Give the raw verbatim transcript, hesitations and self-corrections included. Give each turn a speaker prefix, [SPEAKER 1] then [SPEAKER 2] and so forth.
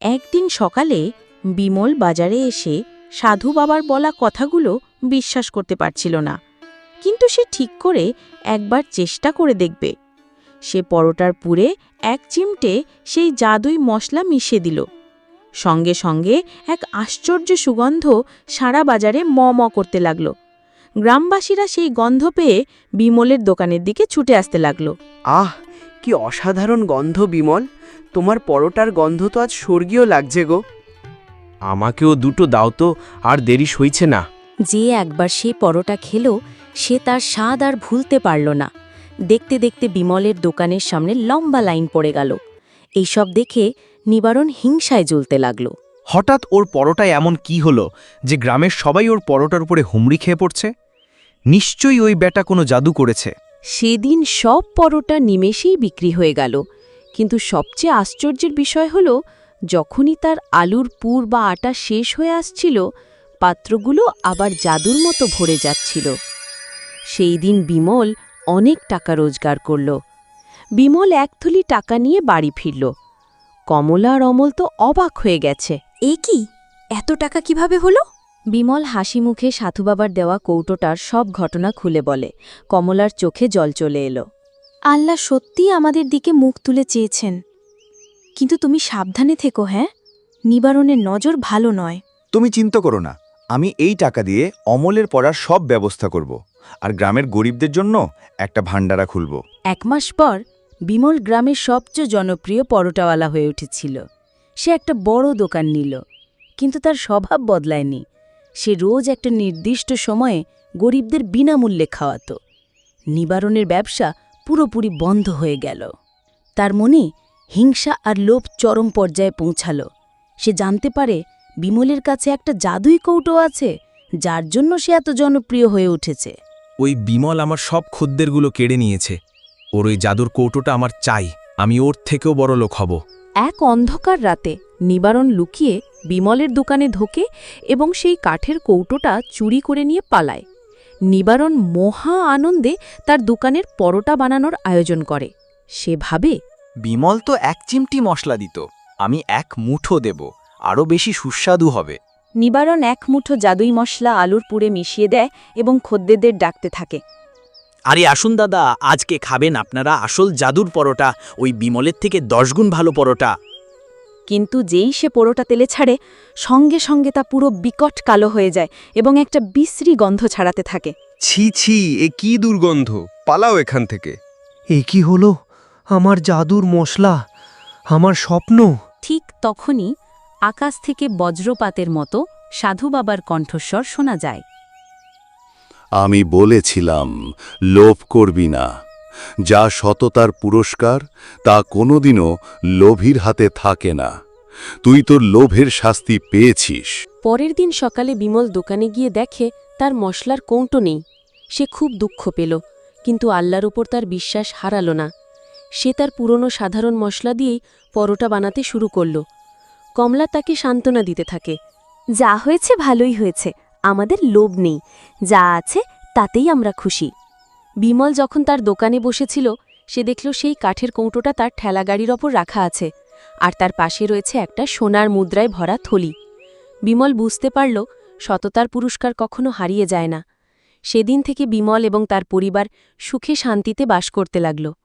[SPEAKER 1] একদিন সকালে বিমল বাজারে এসে সাধু বাবার বলা কথাগুলো বিশ্বাস করতে পারছিল না, কিন্তু সে ঠিক করে একবার চেষ্টা করে দেখবে। সে পরোটার পুরে এক চিমটে সেই জাদুই মশলা মিশিয়ে দিল। সঙ্গে সঙ্গে এক আশ্চর্য সুগন্ধ সারা বাজারে ম ম করতে লাগল। গ্রামবাসীরা সেই গন্ধ পেয়ে বিমলের দোকানের দিকে ছুটে আসতে লাগল।
[SPEAKER 2] আহ, কি অসাধারণ গন্ধ বিমল! তোমার পরোটার গন্ধ তো আজ স্বর্গীয় লাগছে গো।
[SPEAKER 3] আমাকেও দুটো দাও তো, আর দেরি সইছে না।
[SPEAKER 1] যে একবার সে পরোটা খেল, সে তার স্বাদ আর ভুলতে পারল না। দেখতে দেখতে বিমলের দোকানের সামনে লম্বা লাইন পড়ে গেল। এইসব দেখে নিবারণ হিংসায় জ্বলতে লাগল।
[SPEAKER 4] হঠাৎ ওর পরোটায় এমন কি হলো যে গ্রামের সবাই ওর পরোটার উপরে হুমড়ি খেয়ে পড়ছে? নিশ্চয়ই ওই ব্যাটা কোনো জাদু করেছে।
[SPEAKER 1] সেদিন সব পরোটা নিমেষেই বিক্রি হয়ে গেল, কিন্তু সবচেয়ে আশ্চর্যের বিষয় হল, যখনই তার আলুর পুর বা আটা শেষ হয়ে আসছিল, পাত্রগুলো আবার জাদুর মতো ভরে যাচ্ছিল। সেই দিন বিমল অনেক টাকা রোজগার করল। বিমল এক থলি টাকা নিয়ে বাড়ি ফিরল। কমলা আর অমল তো অবাক হয়ে গেছে। এ কি, এত টাকা কিভাবে হলো? বিমল হাসি মুখে সাধুবাবার দেওয়া কৌটোটার সব ঘটনা খুলে বলে। কমলার চোখে জল চলে এলো। আল্লাহ সত্যিই আমাদের দিকে মুখ তুলে চেয়েছেন, কিন্তু তুমি সাবধানে থেকো। হ্যাঁ, নিবারণের নজর ভালো নয়।
[SPEAKER 5] তুমি চিন্তা করো না, আমি এই টাকা দিয়ে অমলের পড়ার সব ব্যবস্থা করব, আর গ্রামের গরিবদের জন্য একটা ভান্ডারা খুলব।
[SPEAKER 1] এক মাস পর বিমল গ্রামের সবচেয়ে জনপ্রিয় পরোটাওয়ালা হয়ে উঠেছিল। সে একটা বড় দোকান নিল, কিন্তু তার স্বভাব বদলায়নি। সে রোজ একটা নির্দিষ্ট সময়ে গরিবদের বিনামূল্যে খাওয়াত। নিবারণের ব্যবসা পুরোপুরি বন্ধ হয়ে গেল। তার মনে হিংসা আর লোভ চরম পর্যায়ে পৌঁছাল। সে জানতে পারে বিমলের কাছে একটা জাদুই কৌটো আছে, যার জন্য সে এত জনপ্রিয় হয়ে উঠেছে।
[SPEAKER 4] ওই বিমল আমার সব খদ্দেরগুলো কেড়ে নিয়েছে। ওর ওই জাদুর কৌটোটা আমার চাই। আমি ওর থেকেও বড় লোক হব।
[SPEAKER 1] এক অন্ধকার রাতে নিবারণ লুকিয়ে বিমলের দোকানে ঢোকে এবং সেই কাঠের কৌটোটা চুরি করে নিয়ে পালায়। নিবারণ মহা আনন্দে তার দোকানের পরোটা বানানোর আয়োজন করে। সে ভাবে,
[SPEAKER 6] বিমল তো এক চিমটি মশলা দিত, আমি এক মুঠো দেব, আরও বেশি সুস্বাদু হবে।
[SPEAKER 1] নিবারণ এক মুঠো জাদুই মশলা আলুর পুরে মিশিয়ে দেয় এবং খদ্দেরদের ডাকতে থাকে।
[SPEAKER 6] আরে আসুন দাদা, আজকে খাবেন আপনারা আসল জাদুর পরোটা, ওই বিমলের থেকে দশগুণ ভালো পরোটা।
[SPEAKER 1] কিন্তু যেই সে পরোটা তেলে ছাড়ে, সঙ্গে সঙ্গে তা পুরো বিকট কালো হয়ে যায় এবং একটা বিশ্রী গন্ধ ছাড়াতে থাকে।
[SPEAKER 3] ছি ছি, এ কি দুর্গন্ধ! পালাও এখান থেকে।
[SPEAKER 2] এ কি হলো? আমার জাদুর মশলা, আমার স্বপ্ন!
[SPEAKER 1] ঠিক তখনই আকাশ থেকে বজ্রপাতের মতো সাধু বাবার কণ্ঠস্বর শোনা যায়।
[SPEAKER 7] আমি বলেছিলাম, লোভ করবি না। যা সততার পুরস্কার, তা কোনোদিনও লোভীর হাতে থাকে না। তুই তোর লোভের শাস্তি পেয়েছিস।
[SPEAKER 1] পরের দিন সকালে বিমল দোকানে গিয়ে দেখে তার মশলার কৌটো নেই। সে খুব দুঃখ পেল, কিন্তু আল্লাহর ওপর তার বিশ্বাস হারাল না। সে তার পুরনো সাধারণ মশলা দিয়েই পরোটা বানাতে শুরু করল। কমলা তাকে সান্ত্বনা দিতে থাকে। যা হয়েছে ভালোই হয়েছে, আমাদের লোভ নেই, যা আছে তাতেই আমরা খুশি। বিমল যখন তার দোকানে বসেছিল, সে দেখল সেই কাঠের কৌটোটা তার ঠেলাগাড়ির ওপর রাখা আছে, আর তার পাশে রয়েছে একটা সোনার মুদ্রায় ভরা থলি। বিমল বুঝতে পারল, সততার পুরস্কার কখনো হারিয়ে যায় না। সেদিন থেকে বিমল এবং তার পরিবার সুখে শান্তিতে বাস করতে লাগল।